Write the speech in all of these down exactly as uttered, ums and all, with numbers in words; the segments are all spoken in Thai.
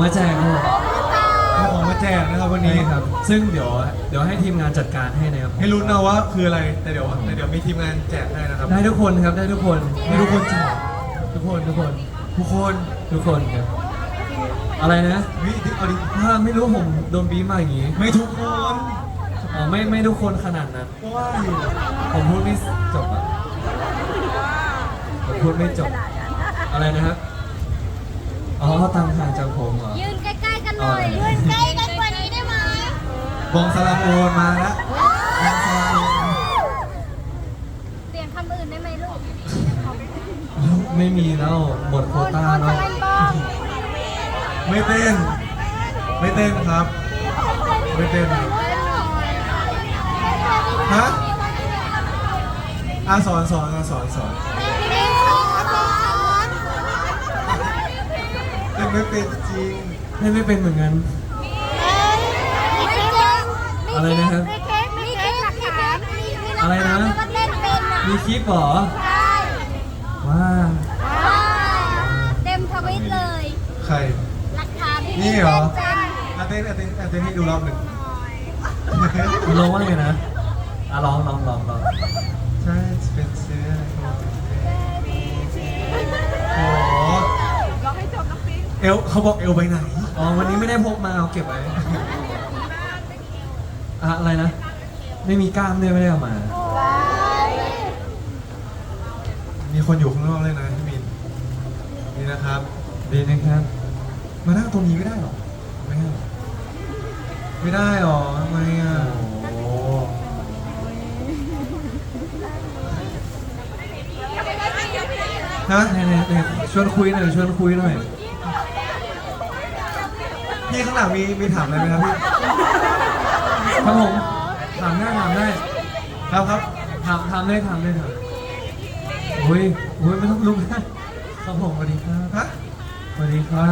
มาแจกครับเอาของมาแจกนะครับวันนี้นี่ครับ ซึ่งเดี๋ยวเดี๋ยวให้ทีมงานจัดการให้นะครับให้ลุ้นนะว่าคืออะไรแต่เดี๋ยวแต่เดี๋ยวมีทีมงานแจกให้นะครับได้ทุกคนครับได้ทุกคนได้ทุกคนแจกทุกคนทุกคนทุกคนทุกคนครับอะไรนะวิเอาดิถ้าไม่รู้ผมโดนบีบมาอย่างงี้ไม่ทุกคนอ๋อไม่ไม่ทุกคนขนาดนั้นก็ว่าอยู่ผมพูดไม่จบอ่ะผมพูดไม่จบอะไรนะครับอ๋อตังห่างจากผมเหรอยืนใกล้ๆกันหน่อย ยืนใกล้กันกว่านี้ได้ไหมบองสลามโอนมาแล้วบองสลามโอนเปลี่ยนคำอื่นได้ไหมลูกไม่มีแล้วหมดโควต้าแล้วคนบองไม่เต้น ไม่เต้นครับ ไม่เต้นฮะอาสอนสอนอาสอนสอนเต้นไม่เป็นจริงเล่นไม่เป็นเหมือนกัน อะไรนะครับมีเค้กมีเค้กหลักฐานมีมีหลักอะไรฐานนะว่าเล่นเป็นอ่ะมีคลิปเหรอใช่ว้าว้าวเต็มทวิตเลยใครหลักฐานที่นี่เหรอล่นเป็นอาเต้นอาเต้นอาเต้นให้ดูรอบหนึ่งมันร้องว่าไงนะอ่ะร้องร้องร้องร้องใช่เป็นเสื้อโอ้โหเอลเขาบอกเอลไปไหนอ๋อวันนี้ไม่ได้พกมาเอาเก็บไว้อะอะไรนะ ไม่มีกล้ามด้วยไม่ได้เอามามีคนอยู่ข้างนอกเลยนะพี่มินนี่นะครับดีนะครับมานั่งตรงนี้ไม่ได้หรอ ไม่ได้หรอไม่ได้หรอทำไมอ่ะโอ้โหฮะเนี่ยเนี่ยเนี่ยชวนคุยหน่อยชวนคุยหน่อยพี่ข้างหลังมีมีถามอะไรไหมครับพี่ครับผมถามได้ถามได้ครับครับถามถามได้ถามได้ถามโอ้ยโอ้ยไม่ต้องลุกนะ ครับผมสวัสดีครับฮะสวัสดีครับ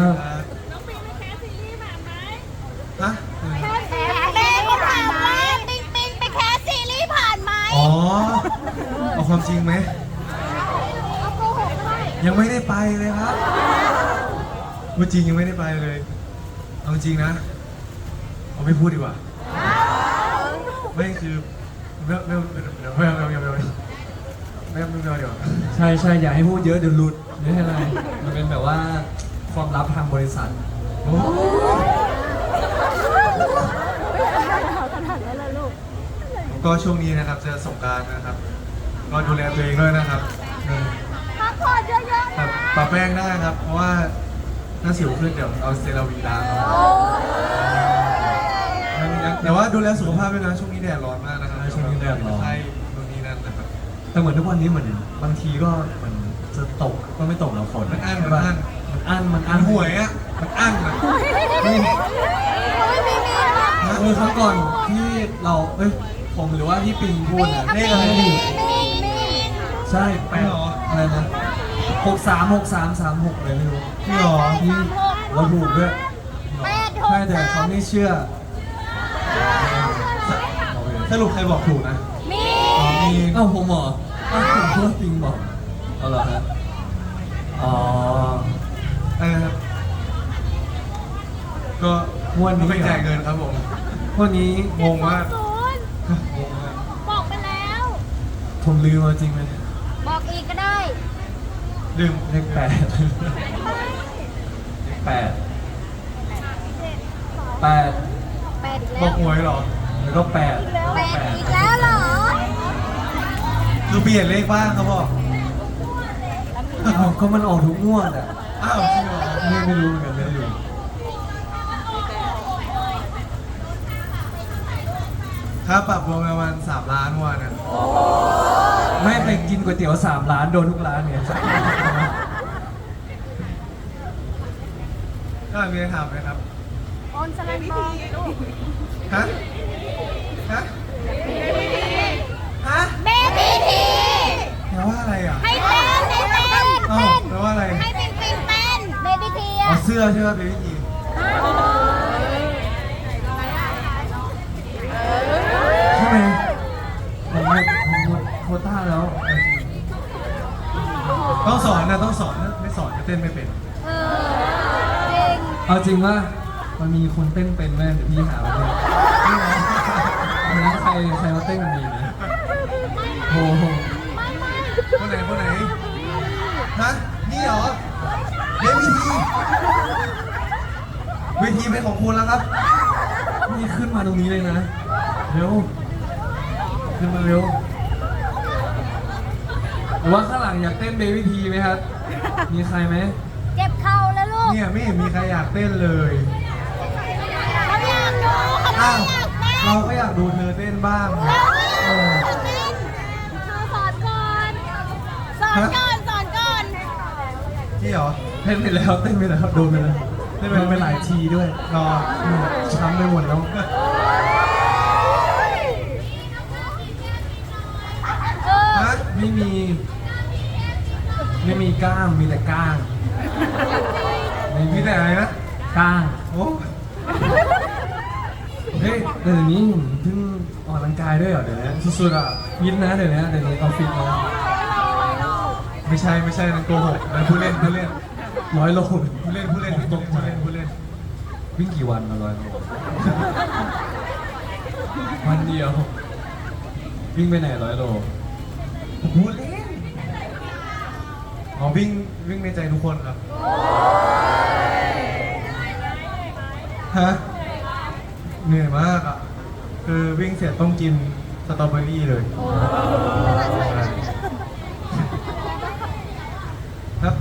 ฮะแม่ก็ถามว่าปิงปิงไปแคสซีรีส์ผ่านไหมอ๋อเอาความจริงไหมเอาโกหกด้วยยังไม่ได้ไปเลยครับว่าจริงยังไม่ได้ไปเลย เอาจริงนะ เอาไม่พูดดีกว่า ไม่คือไม่ไม่ไม่ไม่ไม่ไม่ไม่ไม่ไม่ไม่เดี๋ยวใช่ใช่อย่าให้พูดเยอะเดี๋ยวหลุดไม่ใช่อะไรมันเป็นแบบว่าความลับทางบริษัทโอ้ก็ช่วงนี้นะครับจะสงกรานต์นะครับ ก็ดูแลตัวเองด้วยนะครับเออพักผ่อนเยอะๆครันะบปะแป้งได้ครับ เพราะว่าหน้าสิวขึ้นเดี๋ยวเอาเซราวีล้างเอาแต่ว่าดูแลสุขภาพด้วยนะช่วงนี้แดดร้อนมากนะครับช่วงนี้แดดร้อนใช่ตรงนี้นั่นนะครับแต่เหมือนทุกวันนี้เหมือนบางทีก็เหมันจะตกก็ไม่ตกแล้วฝนมันอั้นใช่มันปะอั้นมันอั้นมันอั้มัน นห่วยอ่ะมันอั้นอ่ะไม่มีมีนะเออครั้งก่อนที่เราเอ้ยผมหรือว่าที่ปิงพูดนะเลขอะไรมีนี่มีมีใช่แปดไม่หรออะไรนะหกสามหกสามสามหกเลยไม่รู้พี่หรอที่เราถูกด้วยแปดหกใช่แต่เขาไม่เชื่อสรุปใครบอกถูกนะมีอ๋อมีเอ้าผมเหรอเอ้าผมพูดปิงบอกเอาเหรอฮะอ๋ออะไรนะครับก็งวดนี้ไม่จ่ายเงินครับผมวันนี้งงมากศูนย์งงมากบอกไปแล้วผมลืมมาจริงไหมบอกอีกก็ได้ลืมเลขแปดเลขแปดแปดแปดอีกบแล้อวกหวยเหรอแล้วก็แปดแปดอีกแล้วเหรอคือเปลี่ยนเลขบ้างเขาบอกอ้าวก็มันออกทุกงวดอ่ะอ้าวจริงเหรอไม่ไม่รู้เหมือนกันไม่รู้ค่าปรับรวมประมาณสามล้านวันนะไม่ไปกินก๋วยเตี๋ยวสามร้านโดนทุกร้านเนี่ยก็มีอะไรถามไหมครับโอนสลันบองลูกฮะ ฮะ ฮะเบบี้ทีแปลว่าอะไรอ่ะให้เต้นให้เต้นอ้าเต้วน แปลว่าอะไรให้ปิงปิงเต้นเบบี้ทีอ๋ออะเสื้อใช่ไหมเบบี้จีใช่ไหมผมหมดผมหมดโควต้าแล้วต้องสอนนะต้องสอนนะไม่สอนจะเต้นไม่เป็นเออจริงเอาจริงว่ามันมีคนเต้นเป็นแม่เดี๋ยวพี่หามาเลยวันนั้นใครใครมาเต้นกันดีนะโอ้โหคนไหนคนไหนฮะนี่เหรอเวทีเวทีเป็นของคุณแล้วครับนี่ขึ้นมาตรงนี้เลยนะเร็วขึ้นมาเร็วหรือว่าข้างหลังอยากเต้นเบบี้ทีไหมครับมีใครไหมเจ็บเข่าแล้วลูกเนี่ยไม่เห็นมีใครอยากเต้นเลยเขาอยากดูเขาอ้าวอยากเต้นเราก็อยากดูเธอเต้นบ้างเราอยากเต้นสอนก่อนสอนก่อนสอนก่อนนี่เหรอเต้นไปแล้วเต้นไปแล้วโดนไปแล้วเต้นไปไปหลายทีด้วยรออืมช้ำไปหมดแล้วเออฮะไม่มี ไม่มีกล้ามมีแต่ก้างไม่มีแต่อะไรนะก้างโอ้เฮ้ยเดี๋ยวนี้เพิ่งออกกำลังกายด้วยเหรอเดี๋ยวนี้สุดๆอ่ะยินนะเดี๋ยวนี้เดี๋ยวนี้ออฟฟิศนะไม่ใช่ไม่ใช่นั่นโกหกนั่นผู้เล่นผู้เล่นร้อยโลผู้เล่นผู้เล่นผมตกใจผู้เล่นผู้เล่นวิ่งกี่วันมาร้อยโลวันเดียว วิ่งไปไหนร้อยโลผู้เล่นอ๋อวิ่งวิ่งในใจทุกคนครับฮะเหนื่อยมากอ่ะคือวิ่งเสร็จต้องกินสตรอเบอรี่เลยครับ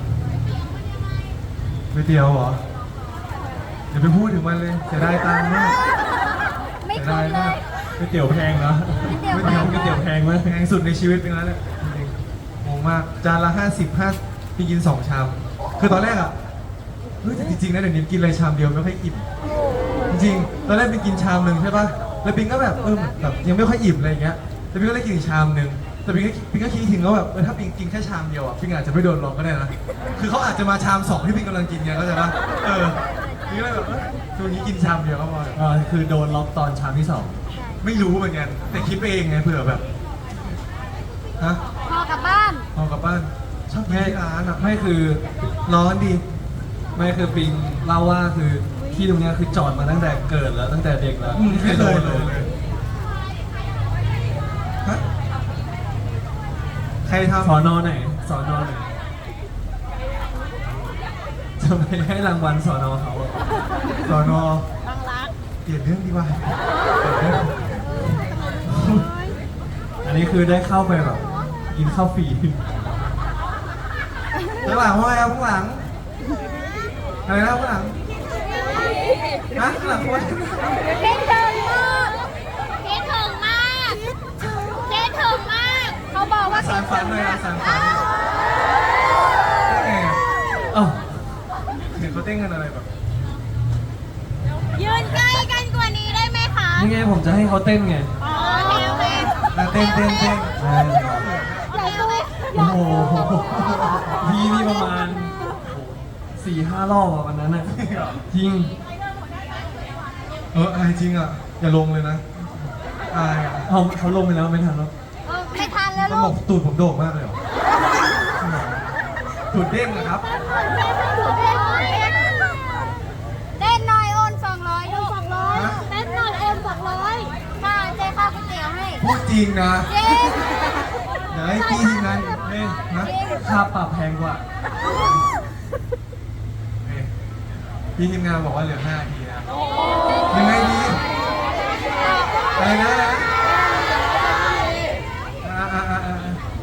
ก๋วยเตี๋ยวเหรออย่าไปพูดถึงมันเลยเสียดายตังค์มากไม่เสียคุ้ดาน ยเลมากยก๋วยเตี๋ยวแพงเนาะก๋วยเตี๋ยวก๋วยเตี๋ยวก๋วยเตี๋ยวแพงมากแพงสุดในชีวิตเป็นแล้วแหละจริงๆงงมากจานละห้าสิบห้าพี่กินสองชามคือตอนแรกอ่ะเฮ้ยแต่จริงๆนะเดี๋ยวนี้กินอะไรชามเดียวไม่ค่อยอิ่มจริงๆตอนแรกเป็นกินชามหนึ่งใช่ป่ะแล้วปิงก็แบบเออแบบยังไม่ค่อยอิ่มอะไรอย่างเงี้ยแต่ปิงก็เลยกินอีกชามหนึ่งแต่ปิงก็ปิงก็คิดถึงว่าแบบเออถ้าปิงกินแค่ชามเดียวอ่ะปิงอาจจะไม่โดนหลอกก็ได้นะคือเขาอาจจะมาชามสองที่ปิงกำลังกินไงเข้าใจป่ะเออปิงก็เลยแบบเออช่วงนี้กินชามเดียวก็พอเออคือโดนล็อกตอนชามที่สองไม่รู้เหมือนกันแต่คิดไปเองไงเผื่อแบบฮะพอกลับบ้านพอกลับบ้านชอบกินที่ร้านอ่ะไม่คือร้อนดีไม่คือปิงเล่าว่าคือที่ตรงเนี้ยคือจอดมาตั้งแต่เกิดแล้วตั้งแต่เด็กแล้วอืมไม่เคยเลยฮะใครทำสอนอไหนสอนอไหนจะไปให้รางวัลสอนอเขาอะสอนอบางรักเปลี่ยนเรื่องดีกว่าเปลี่ยนเรื่องอันนี้คือได้เข้าไปแบบกินข้าวฟรีข้างหลังว่าไงครับข้างหลังอะไรนะข้างหลังฮะข้างหลังว่าคิดถึงมากคิดถึงมากคิดถึงมาก เขาบอกว่าสารฝันเลยนะสารฝันเอ๊ะเอ้าเห็นเขาเต้นกันอะไรแบบยืนใกล้กันกว่านี้ได้ไหมคะนี่ไงผมจะให้เขาเต้นไงอ๋อโอเคโอเคอ่ะเต้นเต้นเต้นเออใหญ่ตัวโอ้โหพี่นี่ประมาณสี่ห้ารอบอะวันนั้นอะจริงเอออายจริงอ่ะอย่าลงเลยนะอายอ่ะเขาเขาลงไปแล้วไม่ทันแล้วเออไม่ทันแล้วมันลูบอก กตูดผมโด่งมากเลยเหรอตูดเด้งนะครับเต้นหน่อยโอนสองร้อยลูกสองร้อยเต้นหน่อยโอนสองร้อยค่ะเจ๊ข้าวก๋วยเตี๋ยวให้พูดจริงนะเจ๊ไหนพี่ทีมงานเอ้ยนะค่าปรับแพงกว่าเอ้ยพี่ทีมงานบอกว่าเหลือห้านาทีนะยังไงดีอะไรนะอะไรนะอ่าอ่าอ่าอ่า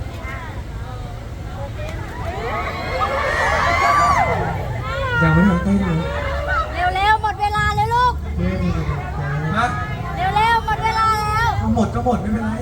ยังไม่ทันเต้นเลยเร็วๆหมดเวลาแล้วลูกเต้นเลยนะเร็วๆหมดเวลาแล้วเอาหมดก็หมดไม่เป็นไร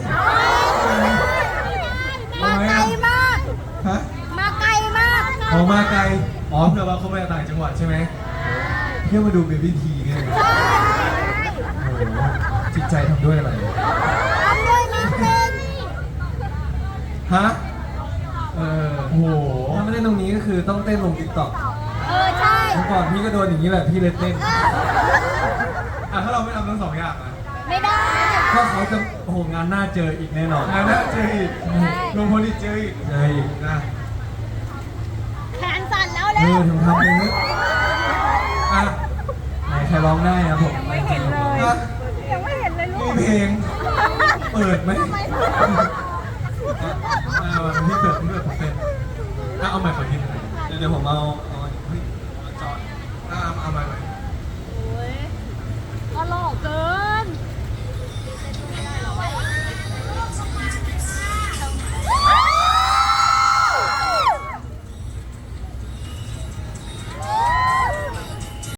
มาไกลมากฮะมาไกลมากออกมาไกลอ๋อเผื่อว่าเขามาจากต่างจังหวัดใช่ไหมเที่ยวมาดูเบบี้ทีเนี่ยโอ้โหจิตใจทำด้วยอะไรทำด้วยมิสเซนฮะเออโอ้โหถ้าไม่เล่นตรงนี้ก็คือต้องเต้นลงติ๊กต็อกเออใช่เมื่อก่อนพี่ก็โดนอย่างนี้แหละพี่เลยเต้นอ่ะถ้าเราไม่ทำทั้งสองอย่างอ่ะไม่ได้ก็เขาจะโอ้โหงานหน้าเจออีกแน่นอนงานหน้าเจออีกลงพลอีกเจออีกเจออีกนะแขนสั่นแล้วเอเร็อวทำทำเองนะอ่ะร้องได้นะผมไม่เห็นเลยยังไม่เห็นเลยลูมีกเพลง เปิดไหมเออพี่